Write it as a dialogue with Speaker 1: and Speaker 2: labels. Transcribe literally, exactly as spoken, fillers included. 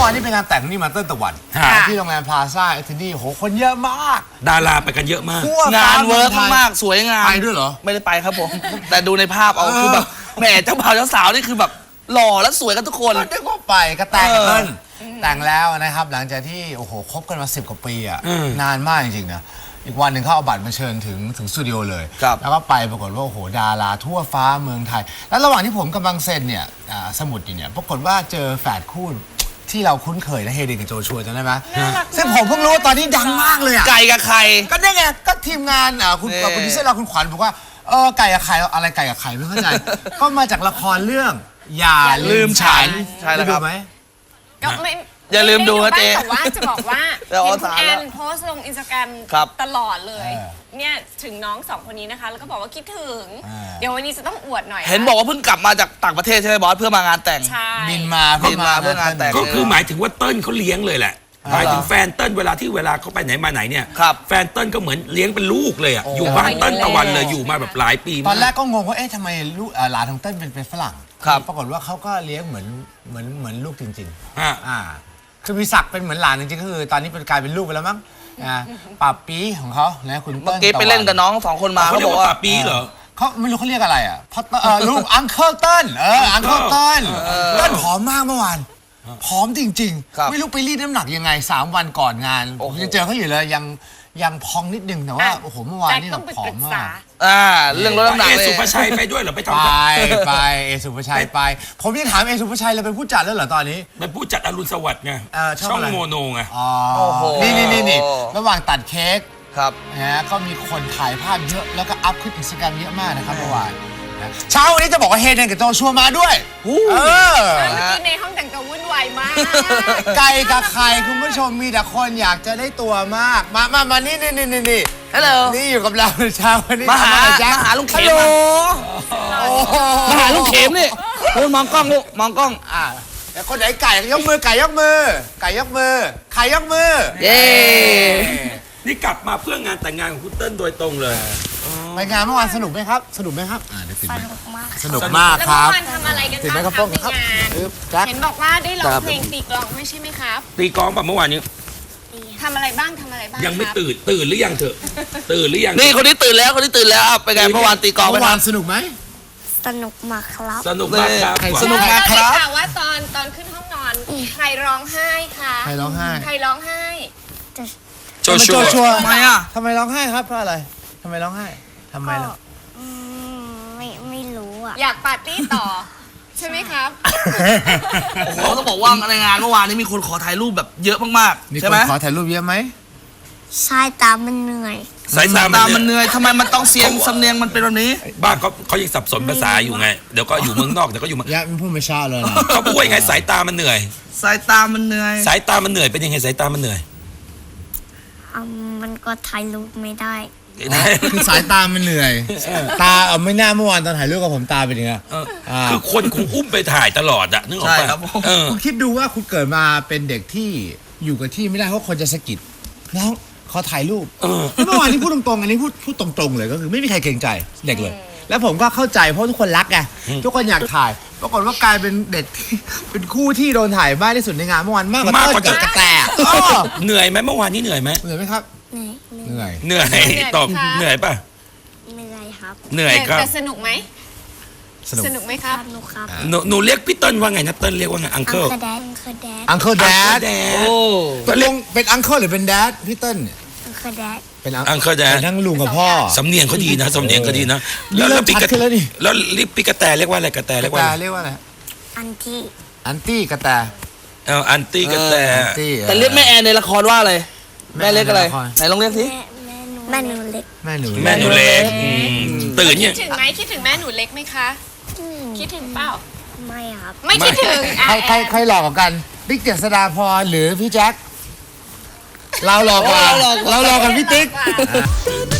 Speaker 1: วานนี้เป็นงานแต่งนี่มาเติ้ลตะวันที่โรงแรมพลาซ่าเอทนี่โหคนเยอะมาก
Speaker 2: ดาราไปกันเยอะมาก
Speaker 3: งานเวิร์กมากสวยงาม
Speaker 1: ไปด้วยเหรอ
Speaker 3: ไม่ได้ไปครับผมแต่ดูในภาพเอาคือแบบแหมเจ้าบ่าวเจ้าสาวนี่คือแบบหล่อและสวยกันทุกคน
Speaker 1: ก็ก็ไปก็แต่งเติ้ลแต่งแล้วนะครับหลังจากที่โอ้โหคบกันมาสิบกว่าปีอ่ะนานมากจริงๆนะอีกวันหนึ่งเขาเอาบัตรมาเชิญถึงถึงสตูดิโอเลยแล้วก็ไปปรากฏว่าโอ้โหดาราทั่วฟ้าเมืองไทยแล้วระหว่างที่ผมกำลังเซ็นเนี่ยสมุดอยู่เนี่ยปรากฏว่าเจอแฝดคู่ที่เราคุ้นเคยนะเฮเดนกับโจชัวจำได้ไหมซึ่งผมเพิ่งรู้ว่าตอนนี้ดังมากเลยอ่ะ
Speaker 3: ไก่กับไข่
Speaker 1: ก็ได้ไงก็ทีมงานคุณโปรดิวเซอร์เราคุณขวัญบอกว่าเออไก่กับไข่อะไรไก่กับไข่ไม่เข้าใจก็มาจากละครเรื่องอย่าลืมฉัน
Speaker 3: ใช่แล้วครับ
Speaker 1: ไหม
Speaker 4: ก็ไม่
Speaker 3: อย่าลืมดูนะเจ๊
Speaker 4: แต่ว่าจะบอกว่าเห็นคุณแอนโพสต์ลงอินสตาแกรมตลอดเลยเนี่ยถึงน้องสองคนนี้นะคะแล้วก็บอกว่าคิดถึงเดี๋ยววันนี้จะต้องอวดหน่อย
Speaker 3: เห็นบอกว่าเพิ่งกลับมาจากต่างประเทศใช่ไหมบอสเพื่อมางานแต่ง
Speaker 1: บินมา
Speaker 3: บินมาเพื่องานแต่ง
Speaker 2: ก็คือหมายถึงว่าเติ้ลเขาเลี้ยงเลยแหละหมายถึงแฟนเติ้ลเวลาที่เวลาเขาไปไหนมาไหนเนี่ยแฟนเติ้ลก็เหมือนเลี้ยงเป็นลูกเลยอ่ะอยู่บ้านเติ้ลตะวันเลยอยู่มาแบบหลายปี
Speaker 1: ตอนแรกก็งงว่าเอ๊ะทำไมลูกหลานของเติ้ลเป็นเป็นฝรั่งปรากฏว่าเขาก็เลี้ยงเหมือนเหมือนเหมือนลูกจริงๆอ่าคือมีศักดิ์เป็นเหมือนหลานจริงๆก็คือตอนนี้เป็นกลายเป็นลูกไปแล้วมั้งอ่าป่าปีของเขานะคุณ
Speaker 3: เมื่อกี้ไปเล่นกับน้องสองคนมา
Speaker 2: เขาบอกว่าป่าปีเหรอ
Speaker 1: เขาไม่รู้เขาเรียกอะไรอ่ะเพราะลูกอังเคิลเติ้ลเอออังเคิลเติ้ลเติ้ลผอมมากเมื่อวานผอมจริงๆไม่รู้ไปรีดน้ำหนักยังไงสามวันก่อนงานผมยังเจอเขาอยู่เลยยังยังพองนิดนึงแต่ว่าโอ้โหเมื่อวานนี่แบบผอมมาก
Speaker 3: อ่าเรื่องลดน้ำหนัก
Speaker 2: เอสุภชัยไปด้วยเหรอไปทำ
Speaker 1: ไปไปเอสุภชัยไปผมยังถามเอสุภชัยเลยเป็นผู้จัดแล้วเหรอตอนนี้
Speaker 2: เป็นผู้จัดอรุณสวัสดิ์ไงช่องโมโนไง
Speaker 1: อ๋อนี่นี่นี่นี่ระหว่างตัดเค้ก
Speaker 3: ครับ
Speaker 1: นะก็มีคนถ่ายภาพเยอะแล้วก็อัพขึ้นอินสตาแกรมเยอะมากนะครับเมื่อวานเช้าวันนี้จะบอกว่าเฮเดนกับโจชัวมาด้วยเอ
Speaker 4: อเมื่อกี้ในห้องแต่งตัววุ่นวายมาก
Speaker 1: ไก่กับไข่คุณผู้ชมมีแต่คนอยากจะได้ตัวมากมามามานี่นี่นี่นี่
Speaker 3: ฮัลโหล
Speaker 1: นี่อยู่กับเราเช้าวันนี้
Speaker 3: มาหามาหาลุงเข็มมาหาลุงเข็มนี่ลูกมองกล้องลูกมองกล้อง
Speaker 1: อ่าแต่คนไหนไก่ยกมือไก่ยกมือไก่ยกมือไข่ยกมือ
Speaker 3: เย้
Speaker 2: นี่กลับมาเพื่องานแต่งงานของคุณเติ้ลโดยตรงเลย
Speaker 1: ไปงานเมื่อวานสนุกไหมครับสนุกไหมครับ
Speaker 4: สนุกมาก
Speaker 1: สนุกมากครับ
Speaker 4: แล้วเมื่อวานทำอะไรกันบ้างครับในงานเห็นบอกว่าได้ร้องเพลงตีกลองไม่ใช่ไหมครับ
Speaker 2: ตีกลองป่ะเมื่อวานนี้
Speaker 4: ทำอะไรบ้างทำอะไรบ้าง
Speaker 2: ยังไม่ตื่นตื่นหรือยังเถอะตื่นหรือยัง
Speaker 3: นี่คนนี้ตื่นแล้วคนนี้ตื่นแล้วไปไงเมื่อวานตีกลอง
Speaker 1: เมื่อวานสนุกไหม
Speaker 4: สนุกมากครับ
Speaker 2: สนุกมากครับ
Speaker 3: สนุกมากครับ
Speaker 4: แต่ว่าตอนตอนขึ้นห้องนอนใครร้องไห้คะ
Speaker 1: ใครร้องไห้
Speaker 4: ใครร้องไห้
Speaker 2: โจชัว
Speaker 1: ทำไมอ่ะทำไมร้องไห้ครับเพราะอะไรทำไมร้องไห้ทำไมล่ะ
Speaker 4: ไม่ไม่รู้อ่ะอยากปาร์ตี้ต่อใช่ไหมครับ
Speaker 3: โอ้โหต้องบอกว่าในงานเมื่อวานนี้มีคนขอถ่ายรูปแบบเยอะมากๆใช่ไหม
Speaker 1: ขอถ่ายรูปเยอะไหม
Speaker 4: สายตามันเหนื่อย
Speaker 3: สายตามันเหนื่อยทำไมมันต้องเสียงสำเนียงมันเป็นแบบนี้
Speaker 2: บ้านเขาเขายังสับสนภาษาอยู่ไงเดี๋ยวก็อยู่เมืองนอกเดี๋ยวก็อยู่
Speaker 1: ยะมันพูดไม่ช้าเลยนะ
Speaker 2: เขาพูดยังไงสายตามันเหนื่อย
Speaker 3: สายตามันเหนื่อย
Speaker 2: สายตามันเหนื่อยเป็นยังไงสายตามันเหนื่อย
Speaker 4: มันก็ถ่ายรูปไม่ได้
Speaker 1: คือสายตามันเหนื่อยตาเอาไม่น่าเมื่อวานตอนถ่ายรูปกับผมตาเป็นยังไง
Speaker 2: คือคนคงอุ้มไปถ่ายตลอดอะนึกออกป่ะ
Speaker 1: คุณคิดดูว่าคุณเกิดมาเป็นเด็กที่อยู่กับที่ไม่ได้เพราะคนจะสะกิดน้องขอถ่ายรูปเมื่อวานนี้พูดตรงๆอันนี้พูดพูดตรงๆเลยก็คือไม่มีใครเกรงใจเด็กเลยแล้วผมก็เข้าใจเพราะทุกคนรักไงทุกคนอยากถ่ายปรากฏว่ากลายเป็นเด็กเป็นคู่ที่โดนถ่ายมากที่สุดในงานเมื่อวานมากกว่าเต้นกับกระแต
Speaker 2: เหนื่อยไหมเมื่อวานนี้เหนื่อยไหม
Speaker 1: เหนื่อยไหมครับเหนื่อย
Speaker 2: เหนื่อยตอบเหนื่อยป่ะ
Speaker 4: เหนื่อยครับ
Speaker 2: เหนื่อยครับ
Speaker 4: แต่สนุกไหมสนุกไหมครับสนุกครับ
Speaker 2: หนูหนูเรียกพี่เติ้ลว่าไงนะเติ้ลเรียกว่าไงอังเคิล
Speaker 1: อังเคิลแดด
Speaker 2: โอ้
Speaker 1: เป็นลุงเป็นอังเคิลหรือเป็นแดดพี่เติ้ล
Speaker 4: อังเคิลแดด
Speaker 1: เป็น
Speaker 2: อังเคิลแดด
Speaker 1: ทั้งลุงกับพ่อ
Speaker 2: สำเนียงเขาดีนะสำเนียงเขาดีนะ
Speaker 1: แล้วแล้วปิกแล้วนี่
Speaker 2: แล้วลิปปิกระแตเรียกว่าอะไรกระแตเรียกว่า
Speaker 1: เรียกว่าอะไร
Speaker 4: อันตี้
Speaker 1: อันตี้กระแต
Speaker 2: เอออันตี้กระแต
Speaker 3: แต่เรียกแม่แอนในละครว่าอะไรแม่เล็กอะไรไหนลองเรียกสิ
Speaker 4: แม่หนูเล็ก
Speaker 1: แม่หนู
Speaker 2: แม่หนูเล็กตื่นเนี่ย
Speaker 4: คิดถึงไหมคิดถึงแม่หนูเล็กไหมคะคิดถึงเปล่าไม่ครับไม่คิดถึง
Speaker 1: ใครใครใครหลอกกันบิ๊กเจษฎาพรหรือพี่แจ็คเราหลอกกันเราหลอกกันพี่ติ๊ก